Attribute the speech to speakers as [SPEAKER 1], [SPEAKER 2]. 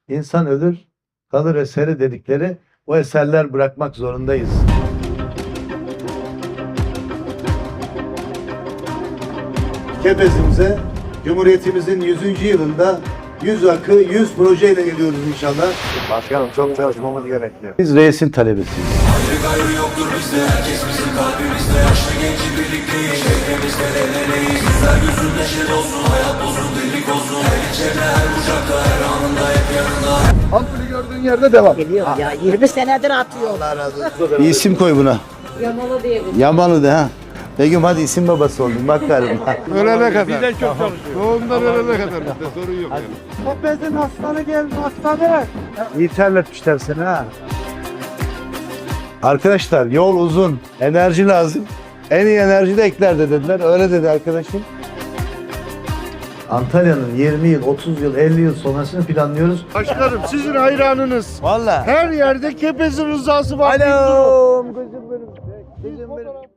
[SPEAKER 1] İnsan ölür, kalır eseri dedikleri o eserler bırakmak zorundayız. Kepezimize Cumhuriyetimizin 100. yılında 100 akı 100 projeyle geliyoruz inşallah.
[SPEAKER 2] Başkanım çok çalışmamız gerekiyor.
[SPEAKER 1] Biz reisin talebesiyiz.
[SPEAKER 3] Ayrı gayrı yoktur bizde, herkes bizim kalbimizde. Yaşlı genci birlikteyiz, şehrimizde devleneyiz. Güzel yüzün neşe olsun, hayat bozun, birlik olsun. Her geçerle, her bucakta, her anında hep yanında.
[SPEAKER 2] Ampulü gördüğün yerde devam.
[SPEAKER 4] Geliyor ya 20 senedir atıyor.
[SPEAKER 1] Bir isim koy buna.
[SPEAKER 4] Yamalı diyelim.
[SPEAKER 1] Yamalı de ha. Begüm hadi isim babası oldun bak galiba.
[SPEAKER 2] Ölene kadar. Bizden çok çalışıyor. Doğumdan ölene kadar bizde sorun yok yani.
[SPEAKER 5] Kepez'in hastane geldi hastane.
[SPEAKER 1] İyi terletmişler seni ha. Arkadaşlar yol uzun, enerji lazım. En iyi enerji de Ekler'de dediler. Öyle dedi arkadaşım. Antalya'nın 20 yıl, 30 yıl, 50 yıl sonrasını planlıyoruz.
[SPEAKER 2] Başkanım sizin hayranınız.
[SPEAKER 1] Vallahi.
[SPEAKER 2] Her yerde Kepez'in rızası var.
[SPEAKER 1] Alo. Gözüm benim.